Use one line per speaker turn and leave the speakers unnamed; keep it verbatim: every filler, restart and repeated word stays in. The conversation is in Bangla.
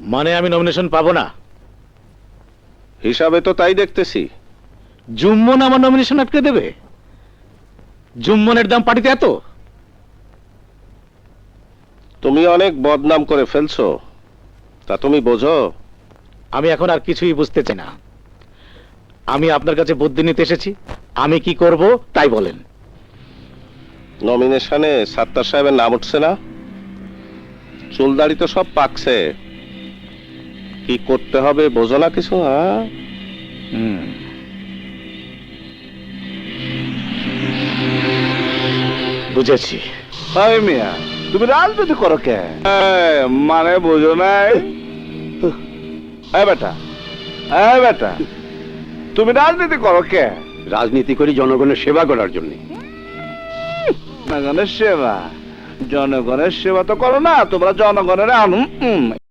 মানে আমি নমিনেশন পাবো না?
হিসাবে তো তাই দেখতেছি।
জুম্মন আমার নমিনেশন আটকে দেবে? জুম্মনের দাম পার্টিতে এত?
তুমি অনেক বদনাম করে ফেলছো, তা তুমি বোঝো?
আমি এখন আর কিছুই বুঝতে চাই না। আমি আপনার কাছে বুদ্ধি নিতে এসেছি, আমি কি করব তাই বলেন।
নমিনেশনে সাত্তার সাহেবের নাম উঠছে না? চুলদাড়ি তো সব পাকছে, কি করতে হবে বোঝো না কিছু? হ্যাঁ,
হুম, বুঝেছি।
হাই মিয়া, তুমি রাজনীতি করো কে? এই, মানে বোঝো নাই? এই বেটা, এই বেটা, তুমি রাজনীতি করো কে?
রাজনীতি করি জনগণের সেবা করার জন্য।
জনগণের সেবা? জনগণের সেবা তো করো না, তোমরা জনগণের আনু